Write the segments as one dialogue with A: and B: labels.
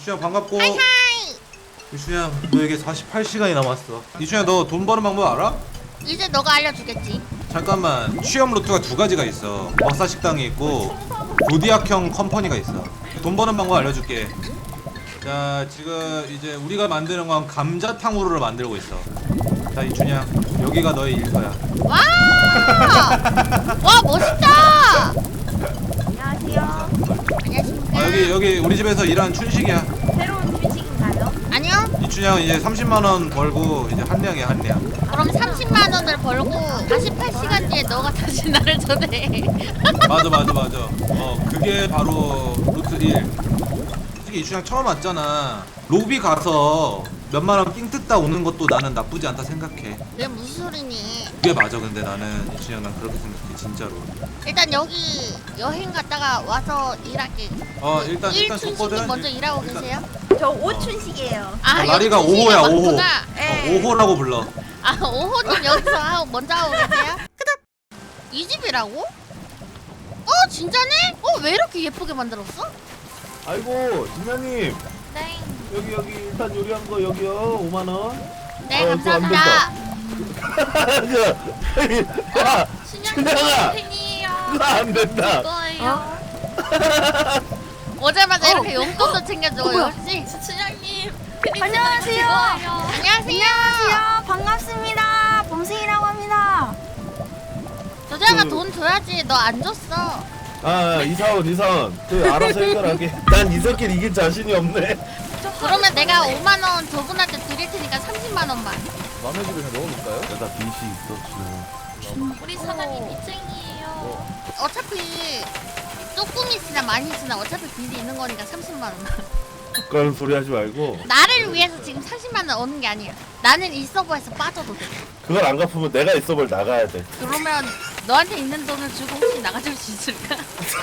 A: 이춘향 반갑고. 이춘향 너에게 48시간이 남았어. 이춘향 너 돈 버는 방법 알아?
B: 이제 너가 알려주겠지.
A: 잠깐만, 취업 루트가 두 가지가 있어. 먹사 식당이 있고 조디악형 컴퍼니가 있어. 돈 버는 방법 알려줄게. 자, 지금 이제 우리가 만드는 건 감자탕후루를 만들고 있어. 자, 이춘향 여기가 너의 일터야.
B: 와! 와, 멋있다!
C: 안녕하세요.
B: 안녕하십니까?
A: 아, 여기 우리 집에서 일하는 춘식이야.
C: 새로운 휴식인가요?
B: 아니요.
A: 이춘향 이제 30만 원 벌고 이제 한량이야, 한량.
B: 그럼 30만 원을 벌고 48시간 뒤에 너가 다시 나를 초대해.
A: 맞아. 그게 바로 루트 1. 솔직히 이춘향 처음 왔잖아. 로비 가서 몇만 원 삥 뜯다 오는 것도 나는 나쁘지 않다 생각해.
B: 그게 무슨 소리니?
A: 그게 맞아. 근데 나는 이춘향 난 그렇게 생각해 진짜로.
B: 일단 여기 여행 갔다가 와서 일할게.
A: 일단
B: 춘식님
A: 줬거든.
B: 먼저 일하고
A: 일단-
B: 계세요?
C: 저 오춘식이에요.
B: 아,
A: 라리가
B: 여기 춘식이가
A: 5호야 5호.
B: 많구나.
C: 네.
A: 5호라고 불러.
B: 아, 5호님 여기서 먼저 하고 계세요? 이 집이라고? 진짜네? 왜 이렇게 예쁘게 만들었어?
D: 아이고 진아님
C: 네.
D: 여기 일단 요리한 거 여기요 5만 원.
B: 네,
D: 그거 안
B: 감사합니다.
D: 야
C: 신영님
D: 준영아!
C: 팬이에요.
D: 그거 안 된다.
C: 이거예요.
B: 오자마자 이렇게 용돈도 챙겨주고 역시.
C: 춘향님.
E: 안녕하세요.
B: 안녕하세요.
E: 안녕하세요. 반갑습니다. 범생이라고 합니다.
B: 조자가 돈 줘야지. 너 안 줬어.
D: 아 이사원 그 알아서 해결하게. 난 이 새끼를 이길 자신이 없네.
B: 그러면 내가 5만 원 저분한테 드릴 테니까 30만 원만.
D: 남의 집에 그냥 넣어놓을까요? 내가 빚이 있어 지금.
C: 우리 사장님 빚쟁이에요.
B: 어차피 조금 있으나 많이 있으나 어차피 빚이 있는 거니까 30만 원.
D: 그런 소리 하지 말고
B: 나를 위해서 지금 40만 원 얻는 게 아니야. 나는 이 서버에서 빠져도 돼.
D: 그걸 안 갚으면 내가 이 서버를 나가야 돼.
B: 그러면 너한테 있는 돈을 주고 혹시 나가줄 수 있을까?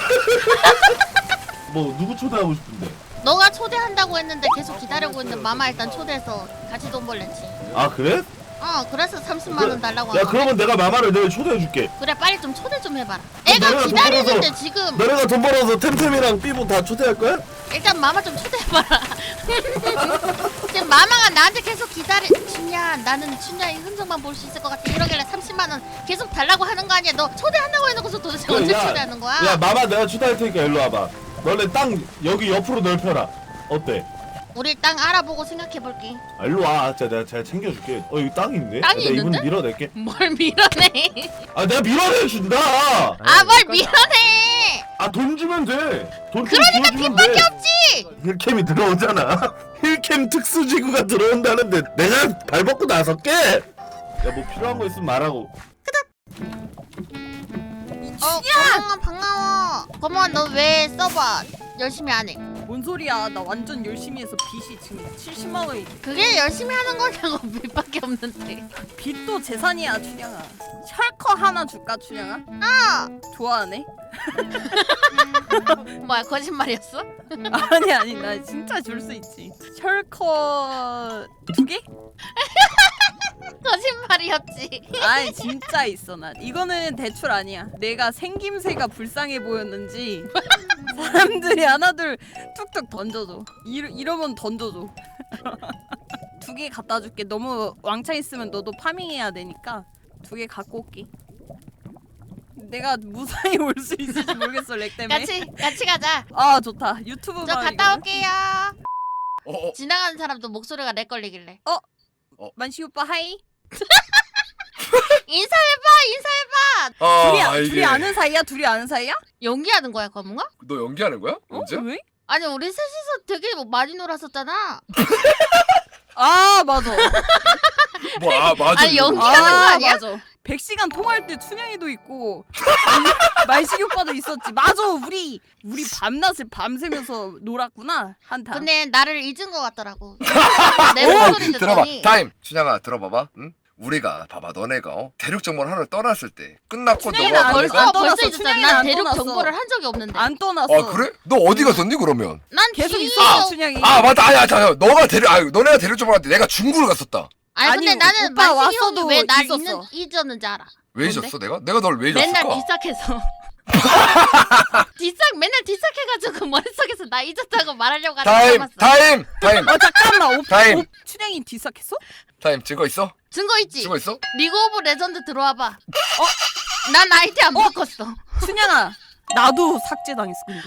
D: 뭐 누구 초대하고 싶은데?
B: 너가 초대한다고 했는데 계속 기다리고 있는 마마 일단 초대해서 같이 돈 벌랬지.
D: 아 그래?
B: 그래서 30만 원 달라고
D: 야
B: 한 거.
D: 그러면 내가 마마를 내일 초대해줄게.
B: 그래, 빨리 좀 초대 좀 해봐라.
D: 내가
B: 애가
D: 돈
B: 기다리는데
D: 벌어서-
B: 지금
D: 너네가 돈 벌어서 템템이랑 삐보 다 초대할 거야?
B: 일단 마마 좀 초대해봐라. 지금 마마가 나한테 계속 춘야, 나는 춘야의 흔적만 볼 수 있을 것 같아 이러길래 30만 원 계속 달라고 하는 거 아니야? 너 초대한다고 해놓고서 도대체
D: 그래,
B: 언제
D: 야,
B: 초대하는 거야?
D: 야 마마 내가 초대할 테니까 일로 와봐. 너네 땅 여기 옆으로 넓혀라. 어때?
B: 우리 땅 알아보고 생각해볼게.
D: 아, 일로 와. 진짜 내가 잘 챙겨줄게. 여기 땅이 있네.
B: 땅이
D: 내가
B: 있는데?
D: 이분 밀어낼게.
B: 뭘 밀어내?
D: 아 내가 밀어내준다.
B: 뭘 밀어내?
D: 아 돈 주면 돼. 돈 좀
B: 그러니까
D: 주면
B: 빚밖에
D: 돼.
B: 없지.
D: 힐캠이 들어오잖아. 힐캠 특수지구가 들어온다는데 내가 발 벗고 나설게. 야 뭐 필요한 거 있으면 말하고.
B: 반가워. 고마워. 너 왜 서버 열심히 안 해?
F: 뭔 소리야? 나 완전 열심히 해서 빚이 지금 70만 원이.
B: 그게 열심히 하는 거냐고. 빚밖에 없는데.
F: 빚도 재산이야, 춘향아. 셜커 하나 줄까, 춘향아? 좋아하네.
B: 뭐야, 거짓말이었어?
F: 아니, 나 진짜 줄 수 있지. 셜커 2개?
B: 거짓말이었지.
F: 아니 진짜 있어 나. 이거는 대출 아니야. 내가 생김새가 불쌍해 보였는지 사람들이 하나둘 툭툭 던져줘. 이러면 던져줘. 2개 갖다 줄게. 너무 왕창 있으면 너도 파밍해야 되니까 2개 갖고 올게. 내가 무사히 올 수 있을지 모르겠어 렉 때문에.
B: 같이 가자.
F: 아 좋다. 유튜브
B: 저
F: 방이거든?
B: 갔다 올게요. 지나가는 사람도 목소리가 렉 걸리길래.
F: 만시 오빠 하이.
B: 인사해봐.
F: 둘이 아는 사이야? 둘이 아는 사이야?
B: 연기하는 거야, 거문가?
G: 너 연기하는 거야? 언제?
F: 왜?
B: 아니, 우리 셋이서 되게 많이 놀았었잖아.
F: 아 맞아.
G: 맞아.
B: 아니,
G: 이거.
B: 연기하는 거 아니야?
F: 맞아. 100시간 통화할 때 춘향이도 있고 말식이 오빠도 있었지. 맞아. 우리 밤낮을 밤새면서 놀았구나. 한타.
B: 근데 나를 잊은 거 같더라고. 내
G: 오,
B: 목소리
G: 들어봐.
B: 듣더니
G: 타임. 춘향아 들어봐봐. 응? 우리가 봐봐 너네가 대륙 정보를 하러 떠났을 때 끝났고
F: 춘향이는
G: 너가
F: 안
G: 내가
F: 떠났어.
B: 벌써 잊었잖아.
F: 춘향이는
B: 난
F: 안
B: 대륙
F: 떠났어.
B: 정보를 한 적이 없는데.
F: 안 떠났어.
G: 아 그래? 너 어디 갔었니 그러면?
B: 난
F: 계속
B: 뒤에
F: 있었어 춘향이.
G: 아 맞다. 아니야 잠깐. 너가 대륙 너네가 대륙 정보 할때 내가 중국을 갔었다.
B: 아니, 근데
F: 아니,
B: 나는
F: 오빠
B: 만식이 형이
F: 왔어도
B: 왜 날
F: 있었어.
B: 잊었는지 알아.
G: 왜
F: 뭔데?
G: 잊었어 내가? 내가 널 왜 잊었을까?
B: 맨날 비싸해서. 맨날 뒷삭해가지고 머릿속에서 나 잊었다고 말하려고 하다
G: 타임
B: 참았어.
G: 타임 타임
F: 잠깐만.
G: 타임.
F: 춘향이 뒤삭했어?
G: 타임 증거 있어?
B: 증거 있지?
G: 증거 있어?
B: 리그 오브 레전드 들어와봐. 난 아이디 안 바꿨어.
F: 춘향아 나도 삭제당했어 근데.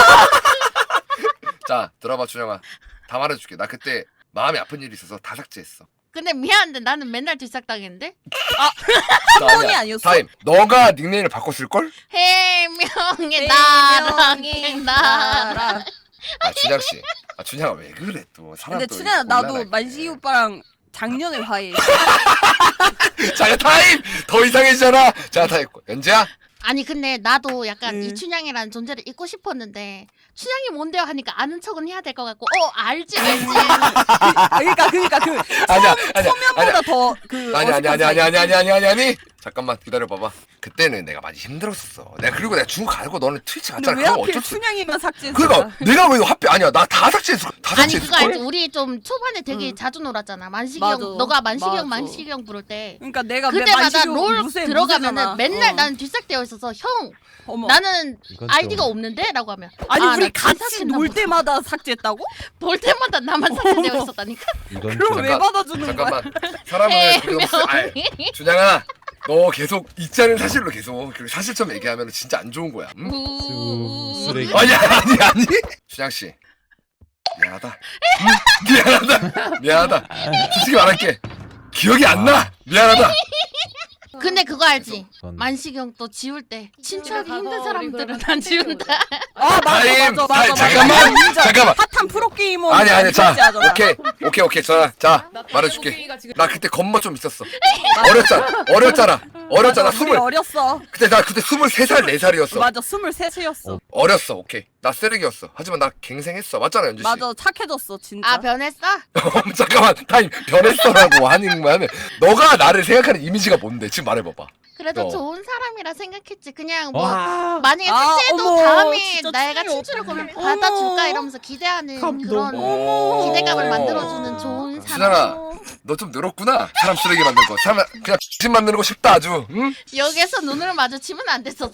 G: 자 들어봐 준영아 다 말해줄게. 나 그때 마음이 아픈 일이 있어서 다 삭제했어.
B: 근데 미안한데 나는 맨날 뒷삭당했는데?
F: 번이 아니었어?
G: 타임 너가 닉네임을 바꿨을걸?
B: 해명의 나랑 나랑.
G: 아 준영씨 아 준영아 왜 그래 또 사람
F: 근데
G: 또
F: 춘향아
G: 이렇게
F: 나도
G: 곤란하게.
F: 만식이 오빠랑 작년에 화해.
G: 자 타임 더 이상해지잖아. 자 타임 연재야
B: 아니 근데 나도 약간 이춘향이라는 존재를 잊고 싶었는데 춘향이 뭔데요 하니까 아는 척은 해야 될 것 같고 알지
F: 그러니까 그
G: 아니야
F: 초면보다 더그
G: 아니 잠깐만 기다려봐봐. 그때는 내가 많이 힘들었었어. 그리고 내가 중국 가고 너는 트위치
F: 근데
G: 갔잖아.
F: 왜
G: 그거
F: 하필
G: 어쩔 수
F: 춘향이만 삭제했어?
G: 그러니까 내가 왜 하필 아니야 나 다 삭제했어. 다
B: 아니
G: 삭제했을
B: 그거 알지?
G: 걸.
B: 우리 좀 초반에 되게 자주 놀았잖아. 만식이
F: 맞아.
B: 형 너가 만식이
F: 맞아.
B: 형 부를 때
F: 그러니까 내가
B: 그때마다
F: 만식이
B: 롤
F: 무쇠,
B: 들어가면은
F: 무쇠잖아.
B: 맨날 나는 뒷삭되어 있어서 형
F: 어머.
B: 나는
A: 이건 좀-
B: 아이디가 없는데? 라고 하면
F: 아니
B: 나
F: 우리 같이
B: 뒷삭했나
F: 놀
B: 보다.
F: 때마다 삭제했다고?
B: 볼 때마다 나만 삭제되어 있었다니까.
A: 이건
F: 그럼
A: 좀
F: 왜 받아주는 거야?
G: 잠깐만 사람을 그렇게 너무
B: 해명이
G: 준영아 너 계속 있지 않은 사실로 계속 그리고 사실처럼 얘기하면 진짜 안 좋은 거야. 응?
A: 쓰레기.
G: 아니 준영 씨 미안하다. 미안하다. 솔직히 말할게. 기억이 안 나. 미안하다.
B: 근데 그거 알지?
A: 그건-
B: 만식이 형 또 지울 때 친추하기 힘든 사람들은 안 지운다.
F: 아
G: 타임,
F: 맞아.
G: 타임, 잠깐만. 잠깐만.
F: 핫한 프로게이머.
G: 아니 자
F: 하잖아.
G: 오케이 자 말해줄게. 나 그때 겁마 좀 있었어. 어렸잖아.
F: 우리 어렸어.
G: 그때 나 그때 23살 4살이었어.
F: 맞아 23이었어.
G: 어렸어. 오케이. 나 쓰레기였어. 하지만 나 갱생했어. 맞잖아 연주 씨.
F: 맞아 착해졌어 진짜.
B: 아 변했어?
G: 잠깐만 타임 변했어라고 하는 거는 너가 나를 생각하는 이미지가 뭔데 지금 말해봐봐.
B: 그래도
G: 어.
B: 좋은 사람이라 생각했지. 그냥 뭐
A: 와.
B: 만약에
F: 아,
B: 삭제해도
F: 어머,
B: 다음에
F: 진짜
B: 내가
F: 충격.
B: 친추를 걸면
F: 어머.
B: 받아줄까 이러면서 기대하는
A: 감동.
B: 그런
G: 오.
B: 기대감을 만들어주는 좋은 사람.
G: 준현아 너 좀 늘었구나. 사람 쓰레기 만드는 거. 사람 그냥 X 만드는 거 쉽다 아주. 응?
B: 여기서 눈을 마주치면 안 됐었어.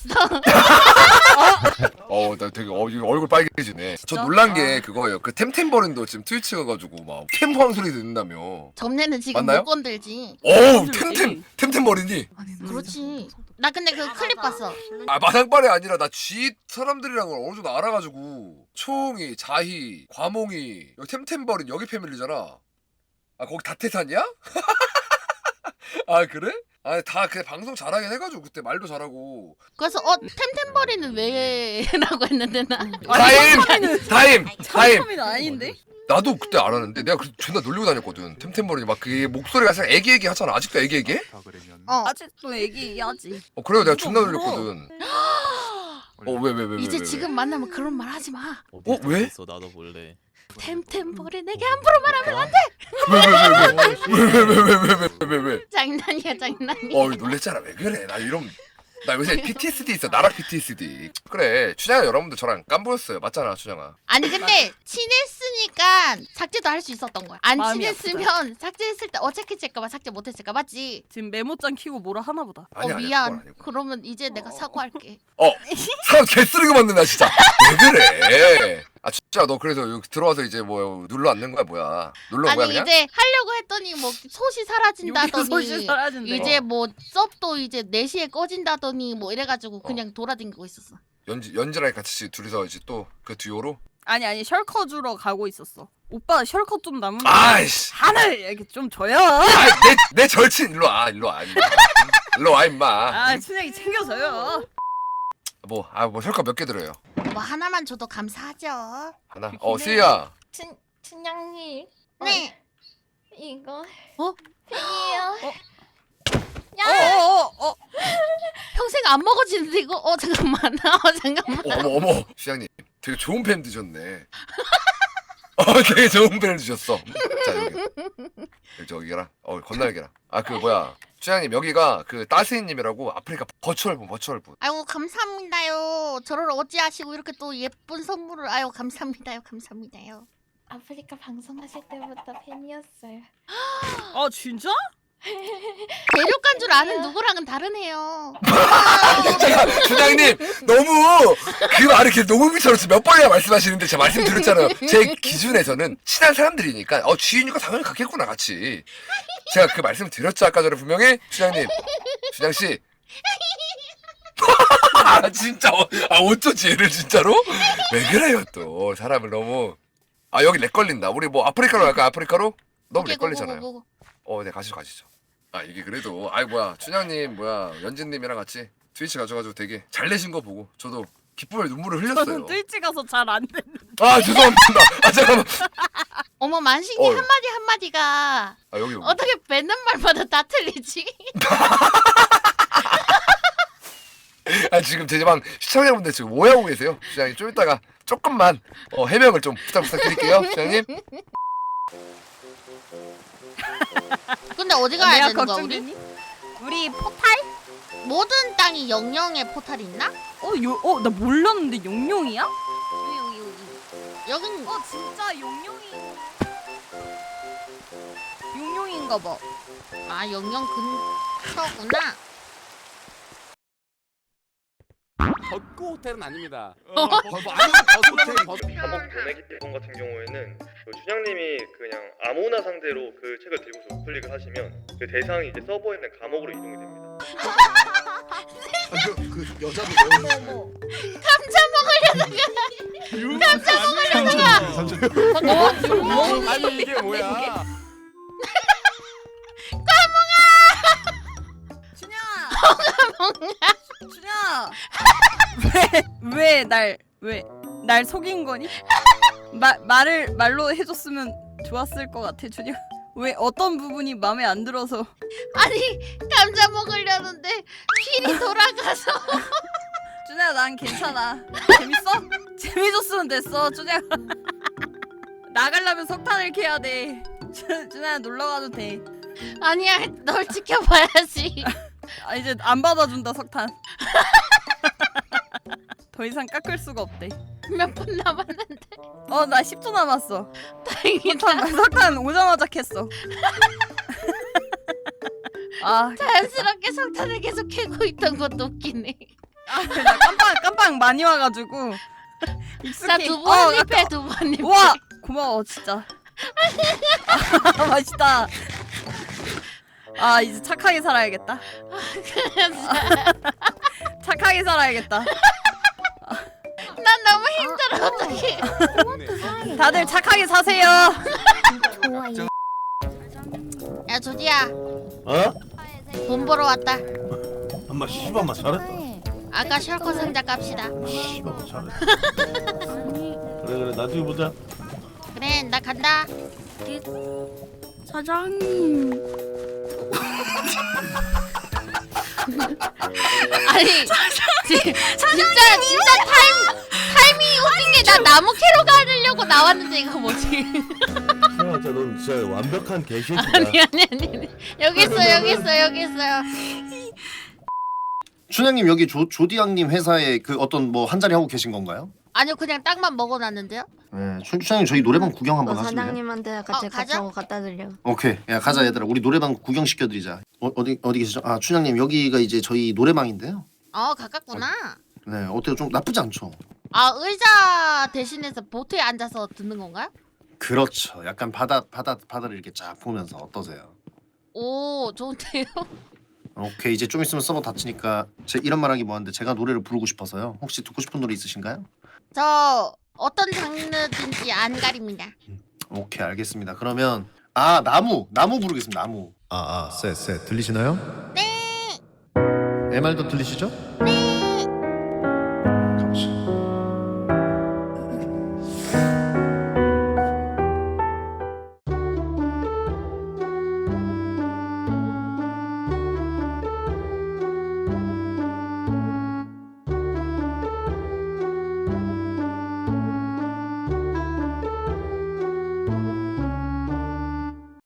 G: 나 되게 이거 얼굴 빨개지네. 저
F: 진짜?
G: 놀란 게 그거예요. 그 템템버린도 지금 트위치 가가지고 막 템포한 소리 듣는다며.
B: 점례는 지금
G: 맞나요?
B: 못 건들지.
G: 어우
F: 건들지.
G: 템템버린이.
B: 그렇지. 나 근데 그 클립 봤어.
G: 아 마당발이 아니라 나 G 사람들이랑 걸 어느 정도 알아가지고 초홍이, 자희, 과몽이 여기 템템버린 여기 패밀리잖아. 아 거기 다태산이야? 아 그래? 아 다 그냥 방송 잘하긴 해가지고 그때 말도 잘하고.
B: 그래서 템템버리는 왜라고 했는데 나.
G: 타임.
F: 참참이는 아닌데?
G: 나도 그때 알았는데 내가 그 존나 놀리고 다녔거든. 템템버린이 막 그 목소리가 살짝 애기애기 하잖아. 아직도 애기애기?
F: 아직도 얘기하지.
G: 그래요 내가 존나 놀렸거든. 왜?
B: 이제 지금 만나면 그런 말 하지 마.
G: 왜?
H: 있어 나도 볼래.
B: 템템버리 내게 함부로 말하면 안 돼.
G: 왜?
B: 장난이야 장난이야.
G: 놀랬잖아. 왜 그래? 나 요새 PTSD 있어. 나락 PTSD. 그래. 춘향아 여러분들 저랑 깜보였어요. 맞잖아 춘향아.
B: 아니 근데 친했으니까 삭제도 할 수 있었던 거야. 안
F: 마음이
B: 친했으면 삭제했을 때 어색해질까봐 삭제 못했을까 맞지?
F: 지금 메모장 키고 뭐라 하나 보다.
G: 아니야, 아니야,
B: 미안.
G: 그건 아니고.
B: 그러면 이제 내가 사과할게.
G: 사람 개쓰레기 만든다 진짜. 왜 그래? 아 진짜 너 그래서 여기 들어와서 이제 뭐 눌러 앉는 거야 뭐야? 눌러
B: 아니
G: 뭐야 그냥?
B: 이제 하려고 했더니 뭐 솥이 사라진다더니
F: 소시 사라진대.
B: 이제 뭐 섭도 이제 4시에 꺼진다더니 뭐 이래가지고 그냥 돌아다니고 있었어.
G: 연지랑 같이 둘이서 이제 또 그 듀오로.
F: 아니 셜커 주러 가고 있었어. 오빠 셜커 좀 남은 거
G: 아이씨.
F: 하늘 이렇게 좀 줘요.
G: 내 절친 일로 와 임마. 일로 와 임마.
F: 아 춘향이 챙겨줘요.
G: 뭐 혈과 몇 개 들어요?
B: 뭐 하나만 줘도 감사하죠.
G: 하나. 스이야.
C: 춘향님.
B: 네.
C: 이거.
B: 어?
C: 팬이에요.
B: 평생 안 먹어지는데 이거? 잠깐만. 잠깐만.
G: 어머 수장님 되게 좋은 팬 드셨네. 되게 좋은 팬을 드셨어. 자 여기 저기랑 건날개랑. 그 뭐야 수장님 여기가 그 따스이님이라고 아프리카 버추얼분.
B: 아이고 감사합니다요. 저를 어찌하시고 이렇게 또 예쁜 선물을 아유 감사합니다요.
C: 아프리카 방송하실 때부터 팬이었어요.
F: 아 진짜?
B: 대륙간 줄 아는 누구랑은 다르네요.
G: 잠깐 춘향님 너무 그 말을 이렇게 녹음기처럼 몇 번이나 말씀하시는데 제가 말씀드렸잖아요. 제 기준에서는 친한 사람들이니까 지인이니까 당연히 같겠구나 같이. 제가 그 말씀 드렸죠 아까 전에 분명히. 춘향님, 춘향씨. 아 진짜 어쩌지 얘를 진짜로? 왜 그래요 또 사람을 너무. 아 여기 렉 걸린다. 우리 뭐 아프리카로 갈까? 아프리카로? 너무
B: 오케이,
G: 렉 걸리잖아요.
B: 고고고고.
G: 네 가시죠. 아 이게 그래도 뭐야 춘향님 연진님이랑 같이 트위치 가져가지고 되게 잘 내신 거 보고 저도 기쁨의 눈물을 흘렸어요.
F: 저는 트위치 가서 잘 안 되는.
G: 아 죄송합니다. 아 잠깐만.
B: 어머 만식이
G: 어.
B: 한마디 한마디가
G: 여기.
B: 어떻게 뱉는 말마다 다 틀리지?
G: 아 지금 제 방 시청자분들 지금 오해하고 계세요. 춘향님 좀 이따가 조금만 해명을 좀 부탁드릴게요. 춘향님.
B: 근데 어디 가야
F: 내가
B: 되는 거야 우리?
F: 걱정되니? 우리 포탈?
B: 모든 땅이 영영의 포탈이 있나?
F: 나 몰랐는데 용룡이야?
B: 여기 여긴
F: 진짜 용룡인가 봐.
B: 아 영영 근처구나.
H: 벚꽃 호텔은 아닙니다.
B: 어?
I: 감옥 보내기 앨범 같은 경우에는 그 춘향님이 그냥 아무나 상대로 그 책을 들고서 우클릭을 하시면 그 대상이 이제 서버에 있는 감옥으로 이동이 됩니다.
D: 그 여자도
H: 아니 이게 뭐야?
F: 준야! 왜 날 속인 거니? 말로 해줬으면 좋았을 것 같아, 준야. 왜 어떤 부분이 마음에 안 들어서?
B: 아니 감자 먹으려는데 필이 돌아가서.
F: 준야, 난 괜찮아. 재밌어? 재미줬으면 됐어, 준야. 나가려면 석탄을 캐야 돼. 준야, 놀러 가도 돼.
B: 아니야 널 지켜봐야지.
F: 아, 이제 안 받아준다, 석탄. 더 이상 깎을 수가 없대.
B: 몇 분 남았는데
F: 나 10초 남았어.
B: 다행이다.
F: 석탄 오자마자 캤어. 아,
B: 자연스럽게 석탄을 계속 캐고 있던 것도 웃기네.
F: 나 깜빵 많이 와가지고 익숙해.
B: 자 두 번 립해
F: 아까-
B: 두 번 립해.
F: 와, 고마워 진짜. 아, 맛있다. 아, 이제 착하게 살아야겠다. 착하게 살아야겠다.
B: 난 너무 힘들어 어떡해.
F: 다들 착하게 사세요.
B: 야 조디야
D: 어?
B: 돈 벌어 왔다.
D: 엄마 씨발마 잘했다.
B: 아까 셜커 상자 깝시다.
D: 씨발마 잘했다. 그래 나중에 보자.
B: 그래 나 간다.
E: 사장님.
B: 아니 진짜 타이밍이 웃긴 게 나 나무 캐러 가려고 나왔는데 이거 뭐지?
D: 진짜 넌 진짜 완벽한 개새끼다.
B: 아니 여기 있어요.
J: 춘향님 여기 조디양님 회사에 그 어떤 뭐 한 자리 하고 계신 건가요?
B: 아니요 그냥 땅만 먹어놨는데요.
J: 네, 춘향님 저희 노래방 구경 한번 하실래요?
C: 사장님한테 같이
B: 가자.
C: 같이 갖다 드려.
J: 오케이, 야 가자 얘들아, 우리 노래방 구경 시켜드리자. 어디 계시죠? 아 춘향님 여기가 이제 저희 노래방인데요.
B: 가깝구나.
J: 네, 어때요? 좀 나쁘지 않죠?
B: 아 의자 대신해서 보트에 앉아서 듣는 건가요?
J: 그렇죠. 약간 바다를 이렇게 쫙 보면서 어떠세요?
B: 오 좋은데요?
J: 오케이, 이제 좀 있으면 서버 닫히니까 제 이런 말하기 뭐한데 제가 노래를 부르고 싶어서요. 혹시 듣고 싶은 노래 있으신가요?
B: 저 어떤 장르든지 안 가립니다.
J: 오케이, 알겠습니다. 그러면 나무 부르겠습니다. 나무.
K: 쎄 들리시나요?
B: 네.
K: 내 말도 들리시죠?
B: 네.